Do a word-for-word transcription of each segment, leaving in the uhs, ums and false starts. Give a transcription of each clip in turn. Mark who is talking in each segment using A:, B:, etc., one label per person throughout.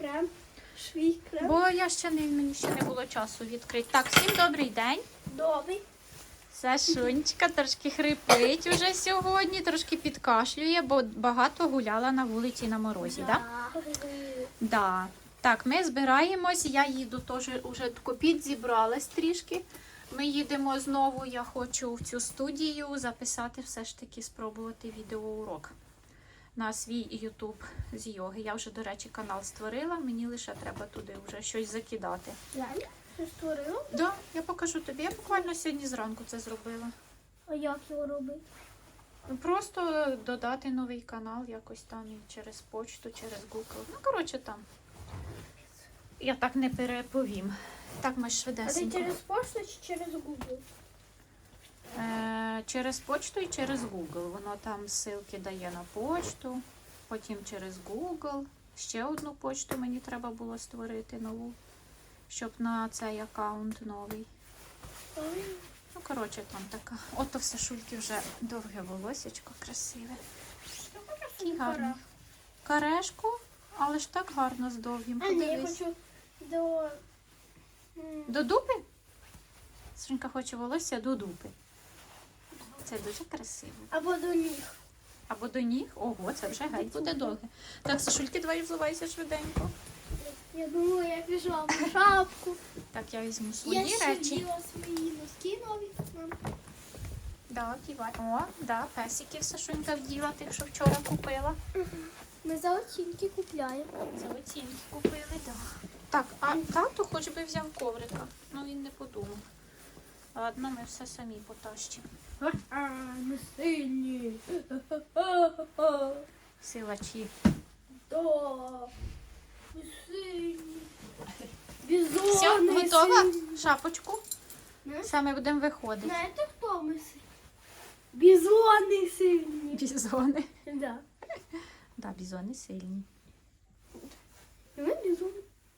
A: крем. Свій крем.
B: Бо я ще не, мені ще не було часу відкрити. Так, всім добрий день.
A: Добрий.
B: Сашунечка трошки хрипить уже сьогодні, трошки підкашлює, бо багато гуляла на вулиці на морозі, так? Да? Да. Так, ми збираємось, я їду теж, уже копіт зібралась трішки. Ми їдемо знову, я хочу в цю студію записати, все ж таки спробувати відеоурок на свій ютуб з йоги. Я вже, до речі, канал створила, мені лише треба туди вже щось закидати.
A: Реально? Ти створила?
B: Так, да, я покажу тобі. Я буквально сьогодні зранку це зробила.
A: А як його робити?
B: Просто додати новий канал якось там через почту, через Google. Ну, коротше, там. Я так не переповім. Так, ми
A: А ти
B: швидесенько.
A: через пошту чи через Google?
B: Е, через почту і через Google. Воно там ссылки дає на почту, потім через Google. Ще одну почту мені треба було створити нову, щоб на цей аккаунт новий. Ну, коротше, там така. Ото все Шульки вже довге волосечко, красиве. Такий гарний. Карешку, але ж так гарно з довгим.
A: А ні, я
B: Подивись.
A: хочу до... м,
B: До дупи? Сашенька хоче волосся до дупи. Це дуже красиво.
A: Або до ніг.
B: Або до ніг. Ого, це вже геть буде довге. Так, Сашульки, давай взувайся швиденько.
A: Я думаю, я пішла в шапку.
B: Так, я візьму свої
A: Я ще
B: речі.
A: вділа свої носки нові. Мам.
B: Да, кивай. О, да, песиків Сашунька вділа, тих, що вчора купила.
A: Ми за оцінки купляємо.
B: За оцінки купили, да. Так, а тату хоч би взяв коврика. Ну, він не подумав. Ладно, ми все самі потащимо.
A: А, ми сильні.
B: Силачі.
A: Да. Ми сильні. Бізони
B: Все, готова?
A: сильні.
B: Шапочку?
A: Не?
B: Саме будемо виходити.
A: Знаєте, хто ми сильні? Бізони сильні.
B: Бізони.
A: Да.
B: Да, бізони сильні.
A: Ми бізони.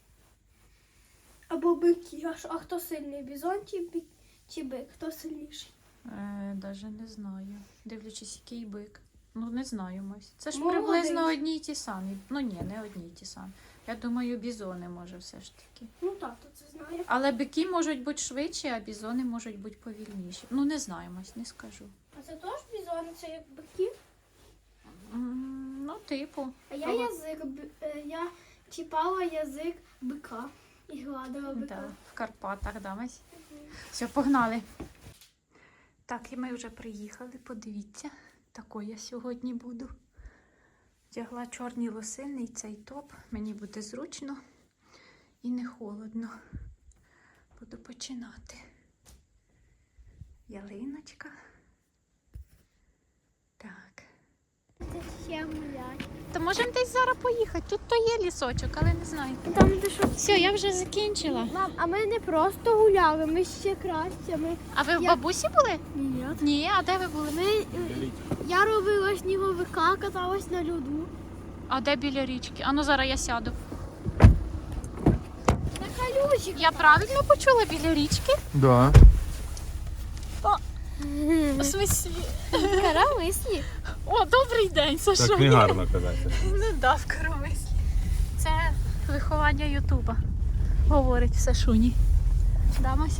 A: Або бики. А, ш- а хто сильний? Бізон чи бик? Чи бик? Хто сильніший?
B: Е, даже не знаю. Дивлячись, який бик. Ну, не знаю, Мось. Це ж
A: Молодець.
B: приблизно одні й ті самі. Ну, ні, не одні й ті самі. Я думаю, бізони може все ж таки.
A: Ну, тато це знає.
B: Але бики можуть бути швидші, а бізони можуть бути повільніші. Ну, не знаю, Мось, не скажу.
A: А це теж бізони, це як бики?
B: М, Ну, типу.
A: А я
B: Ага.
A: язик, б- е, я чіпала язик бика і гладила бика.
B: Да, в Карпатах, да, Мась? Все, погнали. Так, і ми вже приїхали, подивіться. Такою я сьогодні буду. Вдягла чорні лосини і цей топ. Мені буде зручно і не холодно. Буду починати. Ялиночка. Так.
A: Ще гулять.
B: То можемо десь зараз поїхати. Тут то є лісочок, але не знаю.
A: Там де що?
B: Все, я вже закінчила.
A: Мам, а ми не просто гуляли, ми ще краще. Ми...
B: А ви в
A: Я-
B: бабусі були?
A: Ні.
B: Ні, а де ви були?
A: Ми... е, Я робила сніговика, каталась на льоду.
B: А де біля річки? А ну зараз я сяду.
A: На калюжі.
B: Я правильно почула біля річки?
C: Да.
B: У смислі?
A: Карамислі.
B: О, добрий день, Саша.
C: Так не гарно казати.
B: Не дав коромислі. Це виховання Ютуба. Говорить все Шуні. Дамось?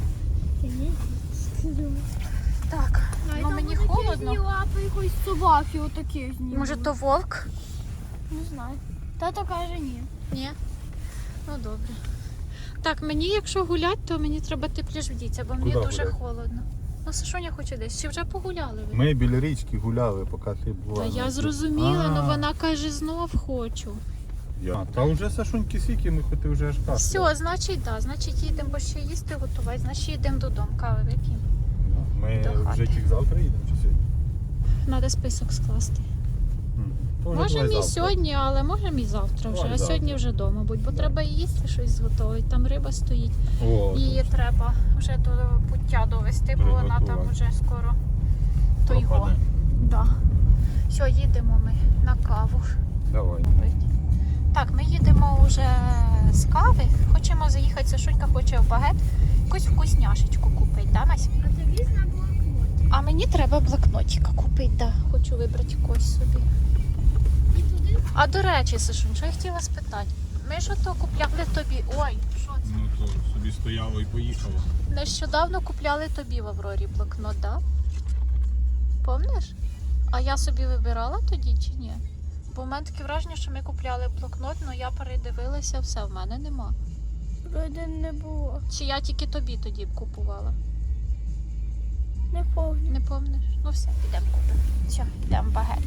B: Так, ну мені холодно.
A: лапи якоїсь собаки отакі зніми.
B: Може то вовк?
A: Не знаю. Тато каже ні.
B: Ні. Ну добре. Так, мені якщо гулять, то мені треба тепліше вдітися, бо мені
C: Куди
B: дуже
C: гуляти?
B: холодно. Ну, Сашуня хоче десь. Чи вже погуляли ви?
C: Ми біля річки гуляли, поки ти була.
B: Та я
C: на-
B: зрозуміла,
C: А,
B: але вона каже, знов хочу.
C: я- Та вже Сашуньки сіки, ми хоч ти вже аж кашляв.
B: Все, значить, так, значить їдемо, бо ще їсти готувати, значить їдемо додому, кави вип'ємо.
C: Ми
B: до хати.
C: вже тільки завтра їдемо чи сьогодні?
B: Треба список скласти.
C: М, то вже
B: Можемо
C: давай
B: і
C: завтра.
B: сьогодні, але можемо і завтра вже.
C: Давай
B: А
C: завтра.
B: сьогодні вже вдома будь, бо
C: Да.
B: треба і їсти щось зготовити. Там риба стоїть.
C: О,
B: Її треба вже до пуття довести, бо вона там
C: Приготувати.
B: вже скоро то його.
C: пропаде.
B: Да. Все, їдемо ми на каву.
C: Давай.
B: Так, ми їдемо вже з кави. Хочемо заїхати, Сашунька хоче в багет. Якусь вкусняшечку купити, да, Мась?
A: А тобі на блокноті.
B: А мені треба блокнотика купити, да. Хочу вибрати якось собі.
A: І туди.
B: А до речі, Сашунь, що я хотіла спитати? Ми ж ото купляли тобі. Ой, що це?
C: Ну то собі стояло і поїхало.
B: Нещодавно купляли тобі в Аврорі блокнот, так? Помниш? А я собі вибирала тоді чи ні? Бо в мене таке враження, що ми купляли блокнот, але я передивилася, все, в мене нема.
A: Вроде не було.
B: Чи я тільки тобі тоді б купувала?
A: Не помню.
B: Не помниш? Ну все, підемо купимо. Все, йдемо в багет.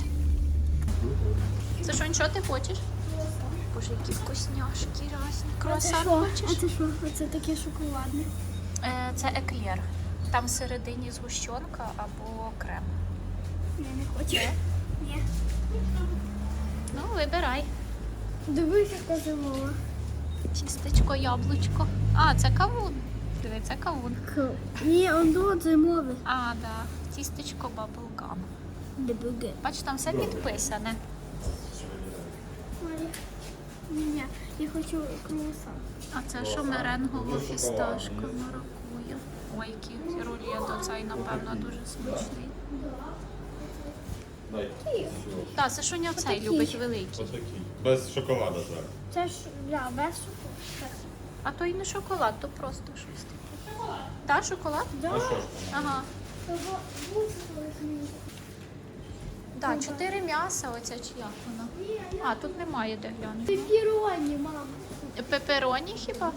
B: Це що, що ти хочеш? Боже, які вкусняшки різні.
A: А це
B: Круасан
A: що? А
B: хочеш?
A: це що? Оце таке шоколадне.
B: Е, Це еклер. Там всередині згущенка або крем.
A: Я не хочу. Ні.
B: Ну, вибирай.
A: Дивись, яка зимова.
B: Тістечко, яблучко. А, це кавун. Диви, це кавун.
A: Ні, он до зимове.
B: А, да. Тістечко баблгам.
A: Дебюге.
B: Бач, там все підписане.
A: Ні, я хочу круасан.
B: А це що меренгово фісташка маракуя. Ой, який рулет оцей, напевно, дуже смачний. Так, це Шуня цей любить великий.
C: Отакий. Без шоколада зараз.
A: Це ж, да, без шоколаду.
B: А то і не шоколад, то просто щось таке. Так, шоколад?
A: Да.
C: А що ж?
B: Ага.
A: Того буде колись.
B: Так, чотири м'яса, оця чи як вона? А, тут немає де глянути.
A: Це піроні, мама.
B: Пепероні хіба?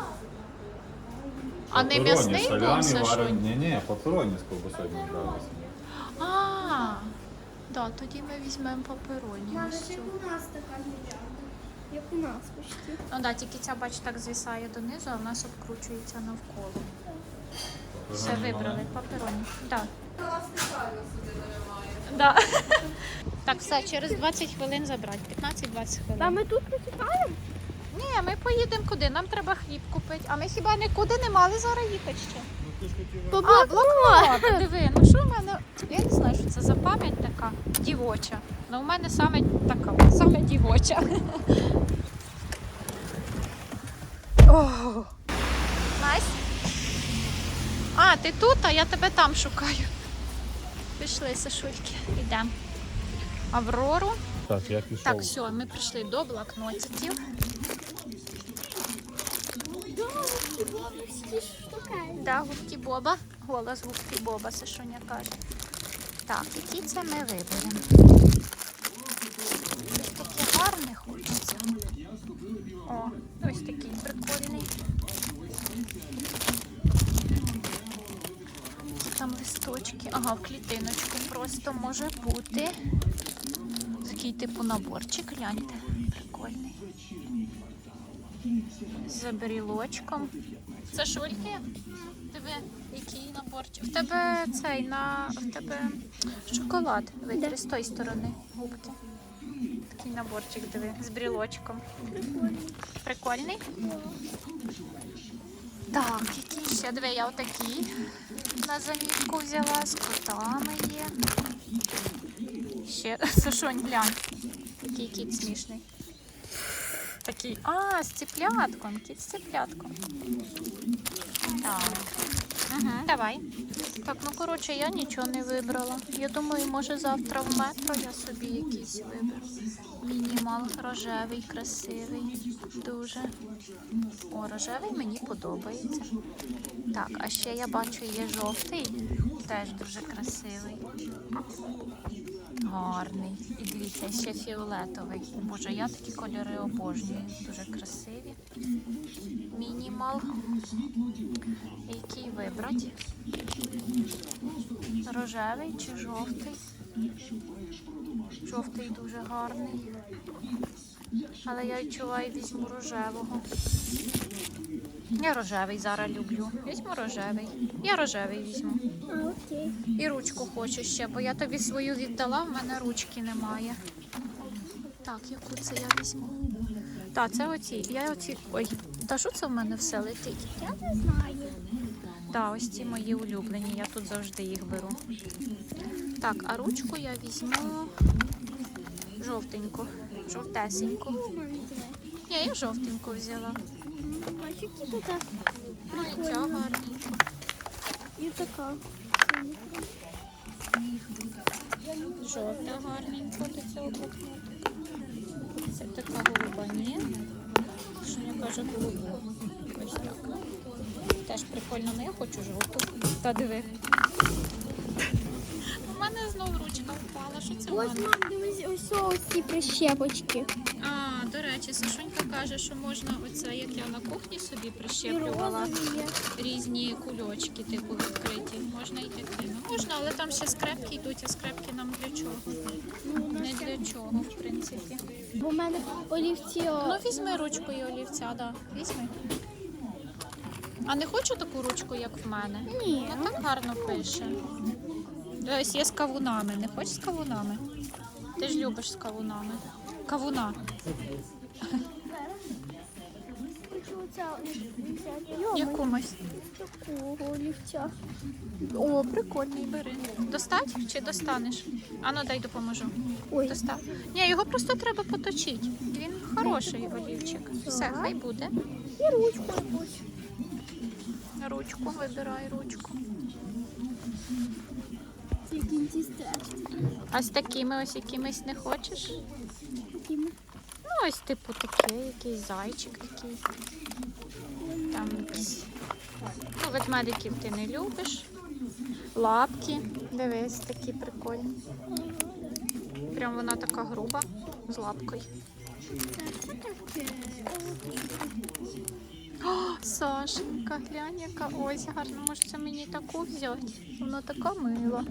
B: А не м'ясний був Сашунь?
C: Ні, ні, папероні з ковбасою не гралися.
B: А, да, тоді ми візьмемо папероні.
A: Мама,
B: ось
A: це
B: цю.
A: у нас така мільярда. Як у нас почти.
B: Ну да, тільки ця, бач, так звисає донизу, а в нас обкручується навколо. Все вибрали, папероні. Так. Да. Так, все, через двадцять хвилин забрати. п'ятнадцять-двадцять хвилин.
A: Та ми тут почекаємо?
B: Ні, ми поїдемо куди? Нам треба хліб купити. А ми хіба нікуди не мали зараз їхати ще?
A: По
B: А, блокнот. Диви, ну що в мене? Я не знаю, що це за пам'ять така дівоча. Ну у мене саме така, саме дівоча. О, Настя? А, ти тут, а я тебе там шукаю. Пішли, Сашульки, йдемо. Аврору.
C: Так, я пішов.
B: Так, все, ми прийшли до блокнотиків. Да, губки Боба. Голос губки Боба, Сашуня каже. Так, які це ми виберемо? Ось таке гарне хочеться. О, ось такий прикольний. Там листочки. Ага, в клітиночку просто може бути. Такий типу наборчик, гляньте. Прикольний. З брілочком. Це шульки? Диви, який наборчик. В тебе цей на в тебе шоколад. Витри з тої сторони губки. Такий наборчик, диви, з брілочком. Прикольний? Так, який ще? Диви, я отакий на замітку взяла, з котами є. Ще, Сашонь, глянь, який кіт смішний. Такий, а, з цыплятком, кіт з цыплятком. Так, угу, давай. Так, ну, коротше, я нічого не вибрала. Я думаю, може завтра в метро я собі якийсь виберу. Мінімал рожевий, красивий, дуже. О, рожевий мені подобається. Так, а ще я бачу, є жовтий, теж дуже красивий. Гарний. І дивіться, ще фіолетовий. Боже, я такі кольори обожнюю. Дуже красиві. Мінімал. Який вибрати? Рожевий чи жовтий? Жовтий дуже гарний. Але я відчуваю, візьму рожевого. Я рожевий зараз люблю. Візьму рожевий. Я рожевий візьму.
A: А, окей.
B: І ручку хочу ще, бо я тобі свою віддала, в мене ручки немає. Так, яку це я візьму? Так, це оці. Я оці. Ой, та що це в мене все летить?
A: Я не знаю.
B: Так, ось ці мої улюблені, я тут завжди їх беру. Так, а ручку я візьму жовтеньку, жовтесеньку. Ні, я жовтеньку взяла.
A: Бачу, які тут так.
B: Ну і ця гарненька.
A: І така.
B: Жовта гарненька до цього блокноту. Це така голуба, ні. теж голубу. Ось так. Теж прикольно, але я хочу жовту. Та диви. У мене знов ручка впала. Що це в
A: Ось,
B: мене?
A: мам, дивись, ось ось ці прищепочки.
B: А, до речі, Сашунька каже, що можна оце, як я на кухні собі
A: І
B: прищеплювала,
A: розові є.
B: різні кульочки, типу відкриті. Можна і такі. Ну, можна, але там ще скрепки йдуть, а скрепки нам для чого?
A: Ну, у нас
B: Не для чого, в принципі.
A: Бо в мене олівці. о,
B: Ну, візьми ручку і олівця, да. Візьми. А не хочу таку ручку, як в мене?
A: Ні.
B: Ну, так гарно пише. Ось є з кавунами. Не хочеш з кавунами? Ти ж любиш з кавунами. Кавуна.
A: Хочу оця олівця. Йома,
B: Якомусь.
A: такого олівця.
B: О, прикольний, бери. Достать чи достанеш? Ану, дай допоможу.
A: Ой.
B: Достав. Ні, його просто треба поточити. Він хороший олівчик. Все, хай буде.
A: І ручку якусь.
B: Ручку, вибирай ручку.
A: Ці кінці стежки.
B: А з такими ось якимись не хочеш?
A: Такими.
B: Ну, ось типу таке, якийсь зайчик такий. Там якийсь. Ну, ведмедиків ти не любиш. Лапки. Дивись, такі прикольні. Прям вона така груба, з лапкою. О, Сашенька, глянь, яка ось гарна. Може, це мені таку взяти? Вона така мила.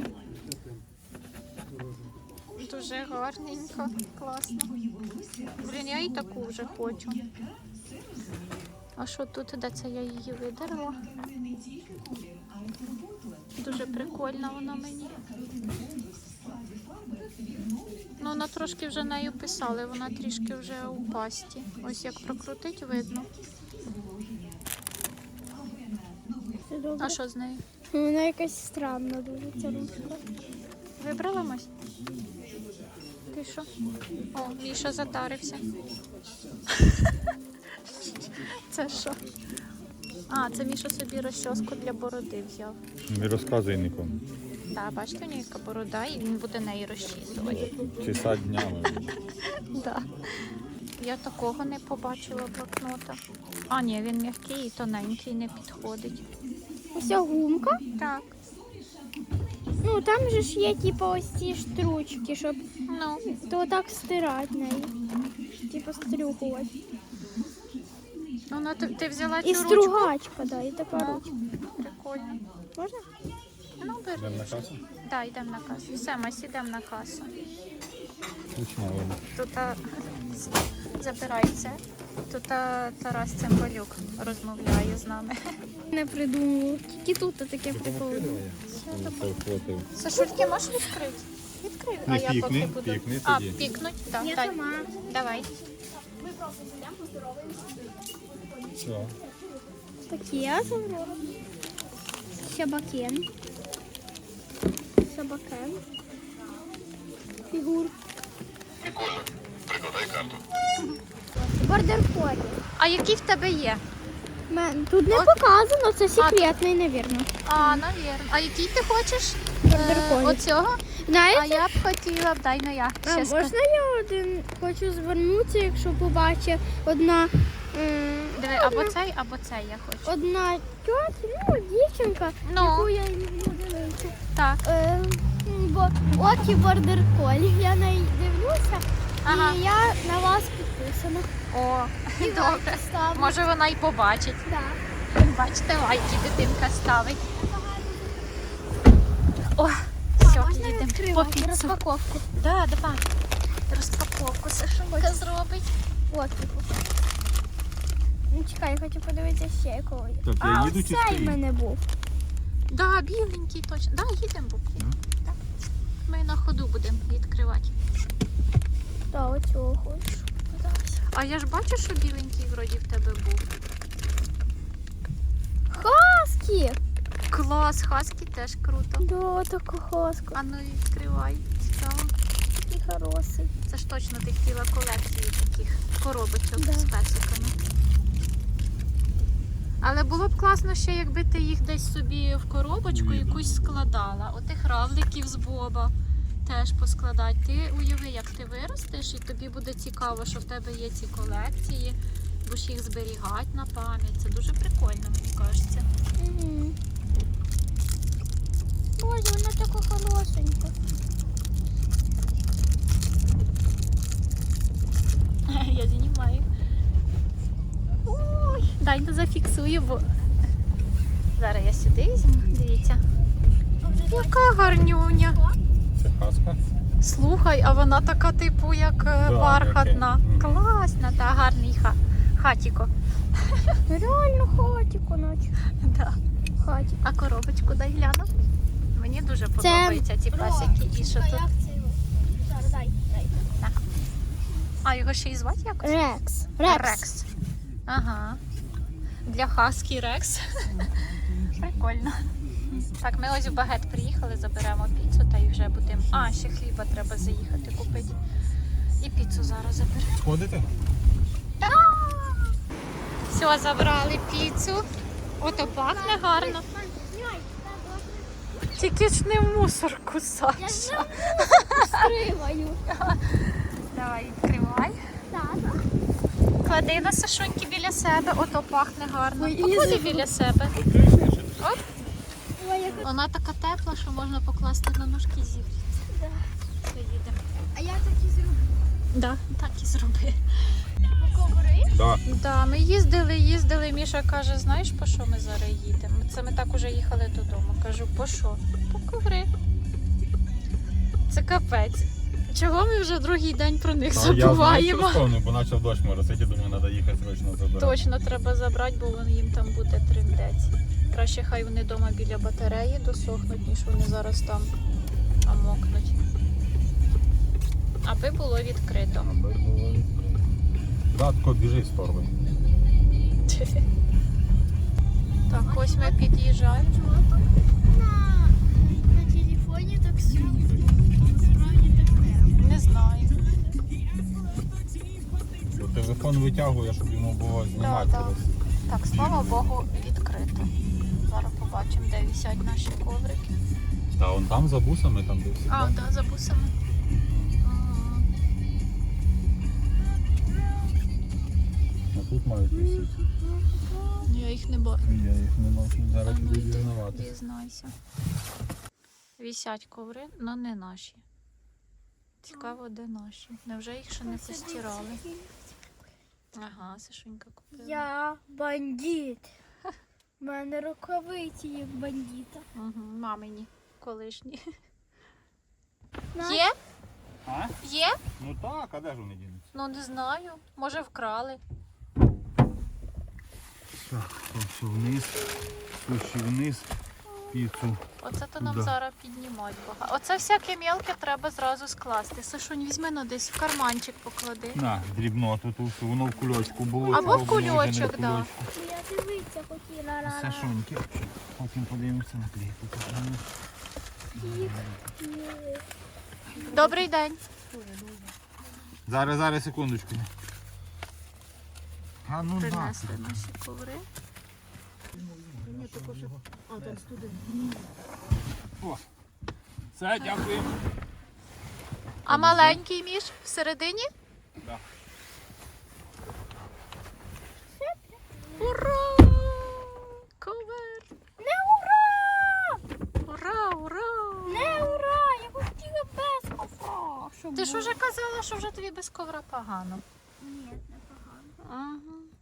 B: Дуже гарненька, класно. Блін, я і таку вже хочу. А що тут, де це я її видерла? Дуже прикольна вона мені. Ну, вона трошки вже нею писали, вона трішки вже у пасті. Ось як прокрутить, видно.
A: Це добре.
B: А що з нею?
A: Ну, вона якась странна дуже, ця ручка.
B: Вибрала Мась? Ти що? О, Міша затарився. Це що? А, це Міша собі розчоску для бороди взяв.
C: Не розказуй нікому.
B: Так, бачите, у нього яка борода, і він буде неї розчісувати.
C: Часа днями.
B: Да. Я такого не побачила блокнота. А, ні, він м'який і тоненький, не підходить.
A: Ось ця гумка.
B: Так,
A: Ну, там же ж є, типу, ось ці штручки, щоб
B: ну,
A: то так стирати нею. Типу, стрюхувати.
B: ну, ну ти, ти взяла
A: І
B: цю ручку?
A: стругачка, да, і така
B: Ну,
A: ручка.
B: прикольно.
A: Можна?
B: Ну, бери.
C: Йдемо на касу?
B: Так, йдемо на касу. Все, ми сідемо на касу.
C: Точно, вона.
B: Тут а, забирається. Тут а, Тарас Цимбалюк розмовляє з нами.
A: Не придумав. Тільки тут таке прикольне.
B: Сашульки, можеш відкрити? Відкрив.
C: Не
B: а я
C: пікни,
B: поки буду.
C: пікни
B: а,
C: тоді.
B: пікнуть? Так,
A: Я
B: дай.
A: сама.
B: Давай.
A: Ми просто зайдемо, поздороваємося.
C: Все.
A: Таке забрала. Щабакен. Щабакен. Фігур. Бордер колі.
B: А які в тебе є?
A: Мен, тут не показано, це секретний, навірно.
B: А, навірно. А який ти хочеш?
A: Бордер
B: Е,
A: колі.
B: Оцього? А
A: Знаєте,
B: я б хотіла б, дай ну я.
A: а,
B: Ще ска-
A: можна я один хочу звернутися, якщо побачить одна, м,
B: Диви, або цей, або цей я хочу.
A: одна тьотя, ну, дівчинка,
B: Ну.
A: яку я люблю дивитися.
B: Так.
A: Е, м, бо окі бордер колі, я на неї дивлюся,
B: Ага.
A: і я на вас підписана.
B: О,
A: І
B: добре.
A: лайки ставлю.
B: Може вона й побачить.
A: Так.
B: Бачите, лайки дитинка ставить. О, все,
A: Можна
B: їдемо по
A: відкривати
B: піцу.
A: розпаковку?
B: Да, давай. Розпаковку Сашунька зробить.
A: От. Ну, чекай, я хочу подивитися ще якого. є.
C: Так, я
A: А,
C: їду чи
A: ось цей в
C: стою?
A: мене був.
B: Да, біленький точно. Да, їдемо, Бубки.
C: Ну.
B: Так. Ми на ходу будемо відкривати.
A: Так, оцього хочу.
B: А я ж бачу, що біленький вроді в тебе був.
A: Хаски!
B: Клас, хаски теж круто.
A: Да, така хаска.
B: А ну відкривай. Цікаво.
A: І хороший.
B: Це ж точно ти хотіла колекцію таких коробочок
A: Да.
B: з песиками. Але було б класно ще, якби ти їх десь собі в коробочку
C: Видно.
B: якусь складала. Отих равликів з Боба теж поскладати. Ти уяви, як ти виростеш, і тобі буде цікаво, що в тебе є ці колекції. будеш їх зберігати на пам'ять. Це дуже прикольно, мені кажеться.
A: Угу. Боже, вона така хорошенька.
B: Я знімаю. Ой, дай не зафіксую, бо зараз я сюди візьму. Дивіться. Яка гарнюня.
C: Це хаска.
B: Слухай, а вона така, типу, як е,
C: Да,
B: бархатна.
C: окей. Мгм.
B: Класна, та гарний ха... хатіко.
A: Реально хатіку наче.
B: Да.
A: Хатік.
B: А коробочку дай гляну. Мені дуже подобаються ці песики. І що
A: А
B: тут?
A: як це його? Зараз дай, дай.
B: А його ще і звати якось?
A: Рекс.
B: Рекс. Ага. Для хаскі Рекс. Прикольно. Так, ми ось в Багет приїхали, заберемо піцу та й вже будемо. А, ще хліба треба заїхати купити. І піцу зараз заберемо.
C: Сходите?
B: Все, забрали піцу. Ото пахне гарно. Тільки ж не в мусорку, Саша.
A: Скриваю.
B: Давай, відкривай.
A: Так.
B: Клади на Сашуньки біля себе, ото пахне гарно.
A: Ой,
B: Поклади
A: Ізо.
B: біля себе. Оп.
A: Ой, яка.
B: Вона така тепла, що можна покласти на ножки і зігріти.
A: Да.
B: Поїдемо.
A: А я так і зроблю.
B: Да, так і зроби.
A: Коври?
C: Так.
B: Да, ми їздили, їздили. Міша каже, знаєш, по що ми зараз їдемо? Це ми так уже їхали додому. Кажу, по що? По коври. Це капець. Чого ми вже другий день про них
C: Я знаю,
B: забуваємо?
C: що вспомнив, бо почав дощ моросити, думаю, треба їхати срочно забирати.
B: Точно треба забрати, бо вон їм там буде триндець. Краще хай вони вдома біля батареї досохнуть, ніж вони зараз там намокнуть. Аби було відкрито.
C: Аби було відкрито. Да, тако біжи з торби.
B: Так, ось ми під'їжджаємо.
A: Чого так на, на телефоні так світло? Насправді так не.
B: Не знаю.
C: Бо телефон витягує, щоб йому було знімати.
B: Да, да. Так, слава Богу, відкрито. Зараз побачимо, де висять наші коврики.
C: Та он там за бусами, там де всі.
B: А, так, да, за бусами. Ага.
C: А тут мають висіти.
B: Я їх не бачу.
C: Я їх не бачу, зараз
B: А ну
C: буду
B: йди,
C: дізнаватися.
B: дізнайся. Висять коври, але не наші. Цікаво, де наші. Невже їх ще не постирали? Ага, Сашунька купила.
A: Я бандит. У мене рукавиці як бандита.
B: Угу, мамині колишні.
A: На.
B: Є?
C: А?
B: Є?
C: Ну так, а де ж вони дінуться?
B: Ну не знаю. Може вкрали.
C: Так, все вниз, ще вниз, піцу.
B: Оце то нам
C: Да.
B: зараз піднімати багато. Оце всяке мелке треба зразу скласти. Сашунь, візьми ну десь в карманчик поклади.
C: На, дрібно, тут все, воно в кульочку було.
B: Або
C: цього
B: в
C: було вже не
B: кульочок, да.
C: кульочку.
A: Я дивитися хотіла. Ра-ра.
C: Сашоньки. Потім подивимося на клейку.
B: Добрий день.
C: Зараз, зараз, секундочку. А ну
B: Принесли наші коври.
C: О, все, дякую.
B: А маленький між всередині?
C: Да.
B: Ура! Ковер!
A: Не ура!
B: Ура, ура!
A: Не ура! Я хотіла без ковра. щоб
B: Ти ж
A: було.
B: уже казала, що вже тобі без ковра погано.
A: Ні, не погано.
B: Ага.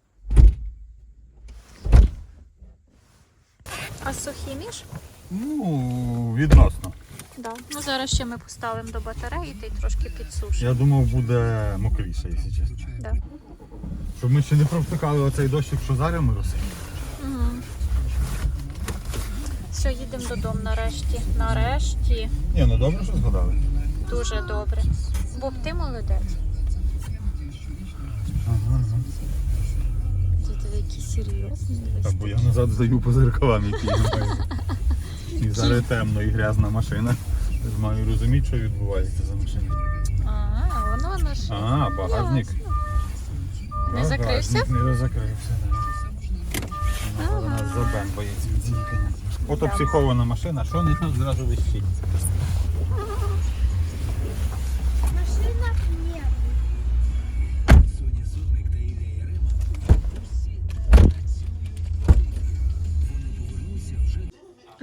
B: А сухі між?
C: Ну, відносно.
B: Да. Ну зараз ще ми поставимо до батареї та й трошки підсушимо.
C: Я думав, буде мокріше, якщо чесно.
B: Да.
C: Щоб ми ще не провтикали оцей дощик, що зараз моросить.
B: Угу. Все, їдемо додому нарешті. Нарешті.
C: Ні, ну добре, що згадали.
B: Дуже добре. Боб, ти молодець.
C: Ага, ага.
B: Ти такий серйозний.
C: Так, бо я назад здаю по зеркалам, які я маю. І зараз темно і грязна машина. Я ж маю розуміти, що відбувається за машиною.
B: А, воно наше.
C: А, багажник.
B: Не закрився?
C: Багажник не закрився, так. Вона
B: Ага.
C: нас за бен боїться від зінькання. Ото
B: Да.
C: психована машина, що не тут зразу вищить.
A: Машина ні.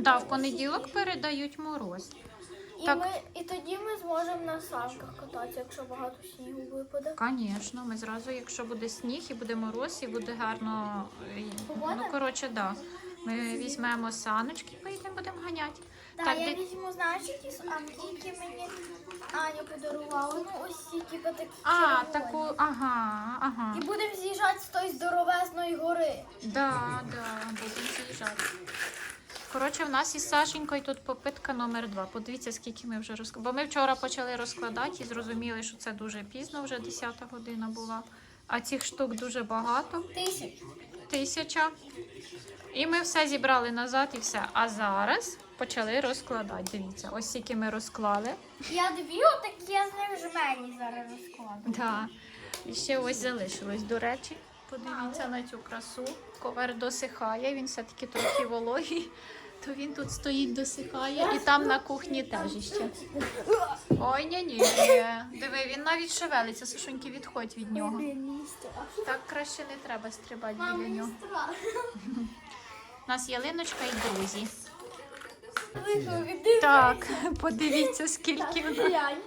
B: Да, в понеділок передають мороз.
A: І,
B: Так.
A: ми, і тоді ми зможемо на санках кататися, якщо багато снігу випаде.
B: Звісно, ми зразу, якщо буде сніг і буде мороз, і буде гарно. і-
A: Погода?
B: Ну, коротше, да. Ми візьмемо саночки, поїдемо, будемо ганяти.
A: Так,
B: Так,
A: я
B: де-
A: візьму, знаєш, які с- амки мені Аня подарувала. Ну, ось ці, типу, такі
B: А,
A: червоні.
B: таку, ага, ага.
A: І будемо з'їжджати з тої здоровезної гори.
B: Да, да, будемо з'їжджати. Коротше, в нас із Сашенькою тут попитка номер два. Подивіться, скільки ми вже розкладали. Бо ми вчора почали розкладати і зрозуміли, що це дуже пізно, вже десята година була. А цих штук дуже багато.
A: Тисяч.
B: Тисяча. І ми все зібрали назад і все. А зараз почали розкладати. Дивіться, ось скільки ми розклали.
A: Я дві отакі, я з ним жмені зараз розкладу.
B: Да. І ще ось залишилось, до речі. Подивіться на цю красу. Ковер досихає, він все-таки трохи вологий. То він тут стоїть, досихає. І там на кухні теж іще. Ой, ні-ні. Диви, він навіть шевелиться. Сашуньки, відходь від нього. Так краще не треба стрибати
A: Мам,
B: біля
A: мені
B: нього.
A: страшно.
B: У нас Ялиночка і друзі.
A: Виходи.
B: Так, подивіться, скільки в нас.
A: Глянь.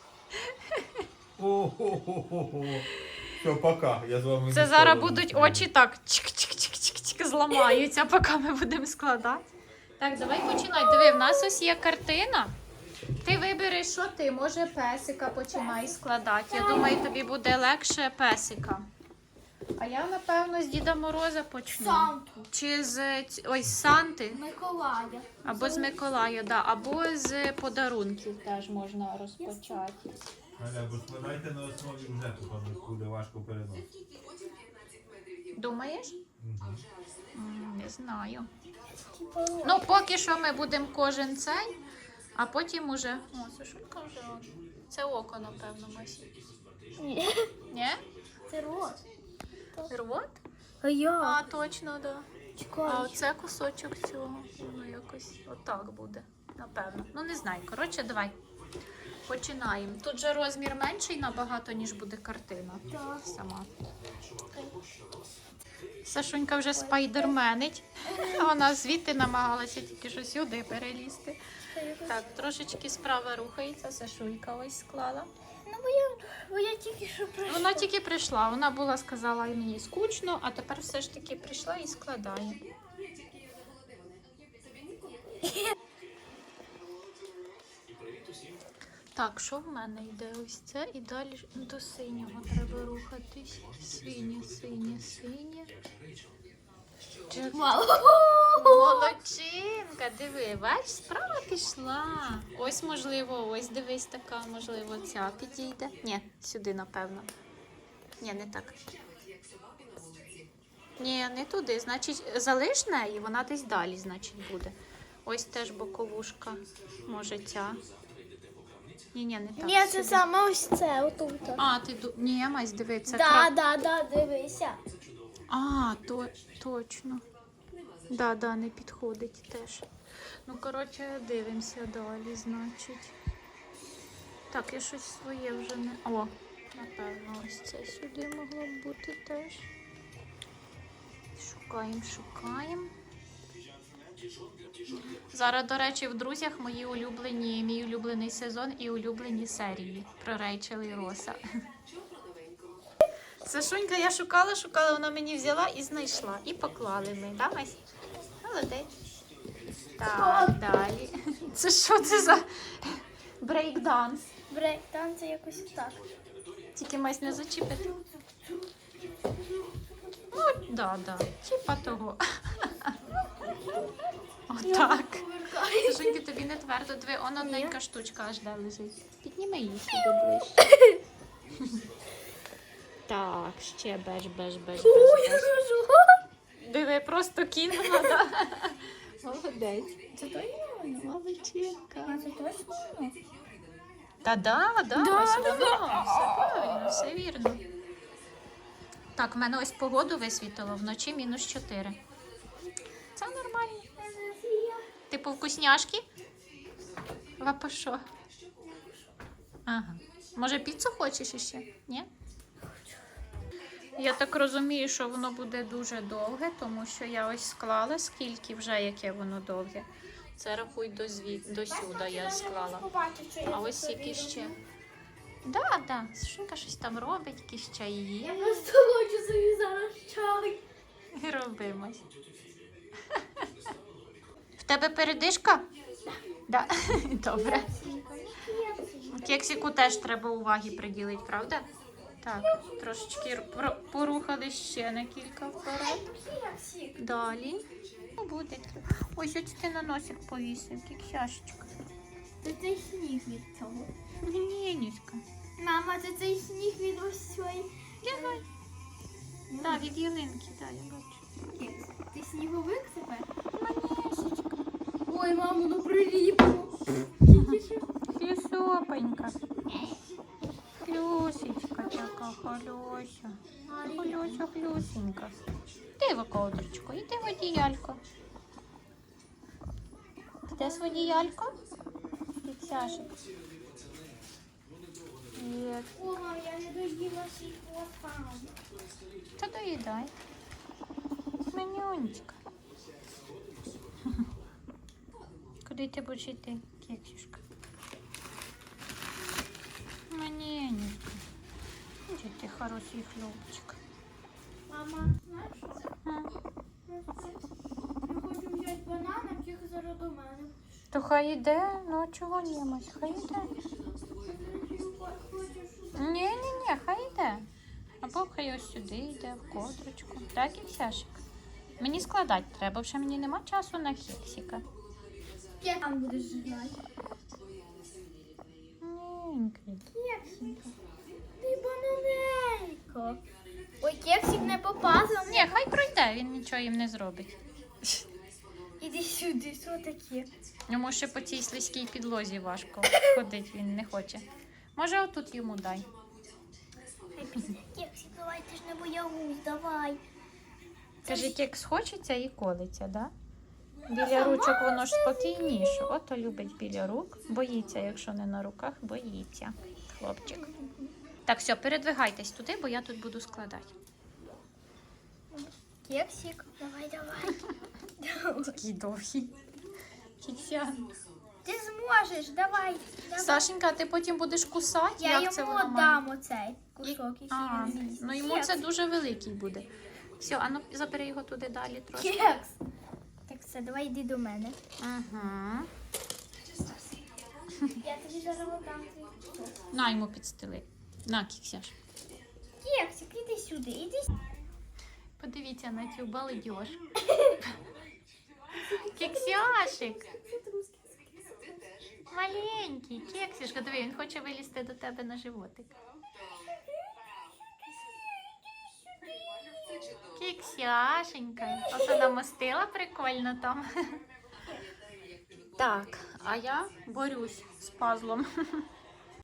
C: О-хо-хо-хо-хо. Все, пока. Я з вами.
B: Це
C: не
B: зараз
C: скоро
B: будуть
C: зустрінусь.
B: очі так чик-чик-чик-чик-чик зламаються, поки ми будемо складати. Так, давай починай. Диви, в нас ось є картина. Ти вибереш, що ти, може песика починай складати. Я думаю, тобі буде легше песика. А я, напевно, з Діда Мороза почну.
A: Санту.
B: Чи з ць- ось з Санти,
A: Миколая.
B: або з Миколая, да, або з подарунків теж можна розпочати.
C: Галя, бо складайте на основі вже, тому буде важко переносити.
B: Думаєш?
C: Мгм.
B: М, Не знаю. Ну, поки що ми будемо кожен цей, а потім уже. О, Сашулька вже. он. Це око, напевно, Масі.
A: Ні.
B: Ні?
A: Це рот.
B: Рот?
A: А я?
B: А, точно, так. Да. А
A: Чекай.
B: оце кусочок цього. Воно якось отак буде. Напевно. Ну, не знаю. Коротше, давай. Починаємо. Тут же розмір менший набагато, ніж буде картина.
A: Так.
B: Сама. Сашунька вже спайдерменить. Вона звідти намагалася тільки що сюди перелізти. Так, трошечки справа рухається. Сашулька ось склала.
A: Ну, бо я, бо я тільки що прийшла.
B: Вона тільки прийшла. Вона була сказала, мені скучно, а тепер все ж таки прийшла і складає. Так, що в мене йде? Ось це і далі ж до синього треба рухатись. Синє, синє, синє. Чек-
A: Мало.
B: Молодчинка, диви, бач, справа пішла. Ось, можливо, ось дивись така, можливо, ця підійде. Ні, сюди, напевно. Ні, не так. Ні, не туди. Значить, залиш неї, вона десь далі, значить, буде. Ось теж боковушка. Може, ця. Ні, ні, не так.
A: Ні, це
B: сюди.
A: саме ось це, отут.
B: А, ти ду... Ні, Мась, диви, це
A: Да,
B: кра-
A: да, да, дивися.
B: А, то, точно. Да, да, не підходить теж. Ну, коротше, дивимося далі, значить. Так, я щось своє вже не... О, напевно, ось це сюди могло б бути теж. Шукаємо, шукаємо. Зараз, до речі, в друзях мої улюблені, мій улюблений сезон і улюблені серії про Рейчел і Роса. Сашунька, я шукала, шукала, вона мені взяла і знайшла. І поклали ми, да, Мась? Молодець. Так, далі. Це що це за брейк-данс?
A: Брейк, там це якось так.
B: Тільки Мась не зачіпити. Ну, да, да. Чіпа того. Отак. Сашуньки, тобі не твердо. Диви, он одненька штучка аж де лежить. Підніми її сюди ближче. Так, ще беж, беж, беж, беж, беж. Диви, просто кинула, да? Молодець.
A: Це точно?
B: Молодчинка.
A: Це точно?
B: Та да, да,
A: Да,
B: ось
A: да,
B: воно. Все правильно, все вірно. Так, в мене ось погоду висвітило, вночі мінус чотири. Це нормально. Типу вкусняшки? Лапа що? Ага. Може піцу хочеш іще? Ні? Я так розумію, що воно буде дуже довге, тому що я ось склала, скільки вже, яке воно довге. Це рахуй до, зві... до сюди я склала.
A: Побачить, що я
B: А ось
A: тут
B: які
A: роблю.
B: ще. Да, да, Сашунька щось там робить, якісь чаї.
A: Я просто хочу собі зараз чай.
B: І робимо. В тебе передишка? Да. Добре. Кексику теж треба уваги приділити, правда? Так, трошечки про- порухали ще на кілька вперед. Далі. Ну, буде. Ось ось ти на носик повісив, кексяшечка.
A: Це цей сніг від цього.
B: Ні, Ніська.
A: Мама, це цей сніг від ось цієї.
B: Давай. Так, від ялинки, так, я бачу.
A: Кекс, ти сніговик тепер?
B: Манесечка.
A: Ой, мамо, ну приліпло.
B: Хлюсопенька. Хлюсечка така, хлюся. Хлюся, хлюсенька. Іди в околдочку, іди в одіялько. Де з одіялько? Кексяшик. Є.
A: О, мам, я не доїла свій круасан.
B: Та доїдай. Манюнечка. Куди ти будеш йти, кексюшка? Манюнечка. Де ти хороший хлопчик?
A: Мама, знаєш, що це?
B: А?
A: Я хочу взяти банан, а тільки зараз до мене.
B: То хай іде, ну а чого німось, хай іде. Ні, ні, ні, хай йде. Або хай ось сюди йде, в кодрочку. Так, кексяшик? Мені складати треба, вже мені нема часу на кексика.
A: Я там будеш ждати.
B: Ненький.
A: Кексик. Ти бананейко. Ой, кексик не попасав.
B: Ні, хай пройде, він нічого їм не зробить.
A: Іди сюди, що таке?
B: Йому ще по цій слизькій підлозі важко ходити, він не хоче. Може, отут йому дай.
A: Кексик, давай, ти ж не боягуз, давай.
B: Каже, кекс хочеться і колиться, да? Біля ручок воно ж спокійніше. Ото любить біля рук. Боїться, якщо не на руках, боїться. Хлопчик. Так, все, передвигайтесь туди, бо я тут буду складати.
A: Кексик, давай, давай.
B: Такий довгий. Кіксян.
A: Ти зможеш, давай. давай.
B: Сашенька, а ти потім будеш кусати?
A: Я
B: Як
A: йому
B: це воно має?
A: дам оцей кусок, який
B: А,
A: він з'їсть.
B: ну йому це дуже великий буде. Все, а ну забери його туди далі трошки.
A: Кекс. Так, все, давай йди до мене.
B: Ага.
A: Я тобі зараз дам твій кусок.
B: На йому підстели. На, кіксяш.
A: Кексик, іди сюди, іди сюди.
B: Подивіться на цю балдеж. Кексяшик. Маленький, кексішка. Диви, він хоче вилізти до тебе на животик. Кексяшенька. Оце намостила прикольно там. Так, а я борюсь з пазлом.